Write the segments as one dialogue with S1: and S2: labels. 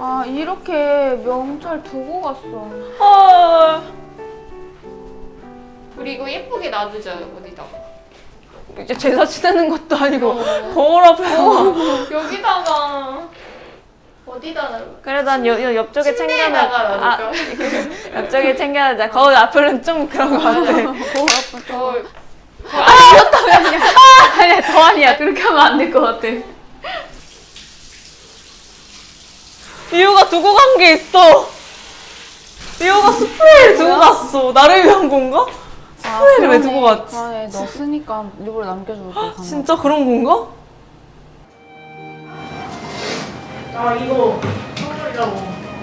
S1: 아, 이렇게 명찰 두고 갔어.
S2: 헐.
S3: 그리고 예쁘게 놔두자, 어디다가.
S2: 이제 제사 지내는 것도 아니고 거울 앞에서.
S3: 여기다가. 어디다 놔둘까?
S2: 그래, 난 옆쪽에
S3: 침대에다가 놔둘까?
S2: 옆쪽에 챙겨야지. 거울 앞에는 좀 그런 거 같아.
S1: 거울 앞에
S3: 거울.
S2: 아니야, 더 아니야. 그렇게 하면 안 될 것 같아. 이유가 두고 간 게 있어. 이유가 스프레이를 두고 갔어. 나를 위한 건가? 스프레이를 왜 두고 갔지?
S1: 안에 넣었으니까 일부러 남겨주고 가는 거야.
S2: 진짜 그런 건가?
S4: 아 이거 선물이라고.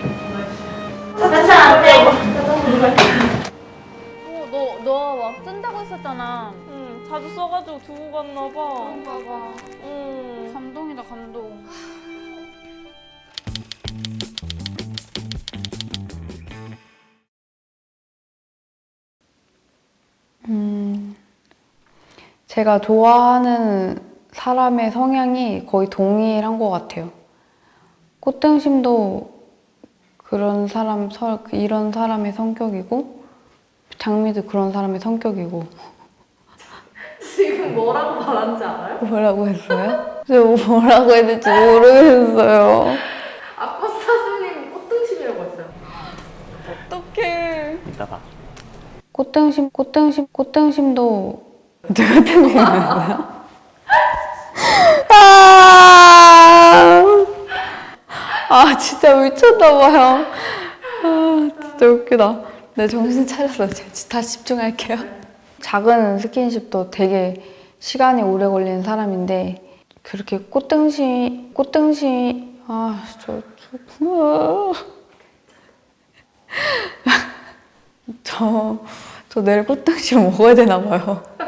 S1: 너 막 쓴다고 했었잖아.
S2: 응, 자주 써가지고 두고 갔나 봐.
S3: 그런가 봐.
S2: 응.
S1: 감동이다, 감동.
S5: 제가 좋아하는 사람의 성향이 거의 동일한 것 같아요. 꽃등심도 이런 사람의 성격이고, 장미도 그런 사람의 성격이고.
S4: 지금 뭐라고 말한지 알아요?
S5: 뭐라고 했어요? 저 뭐라고 했는지 모르겠어요.
S4: 아까 사수님 꽃등심이라고 했어요.
S2: 어떡해.
S6: 이따가
S5: 꽃등심도 누가 등심이었어요? 아, 진짜 미쳤나봐요. 아, 진짜 웃기다. 네, 정신 차렸어. 다시 집중할게요. 작은 스킨십도 되게 시간이 오래 걸리는 사람인데, 그렇게 저 내일 꽃등심 먹어야 되나 봐요.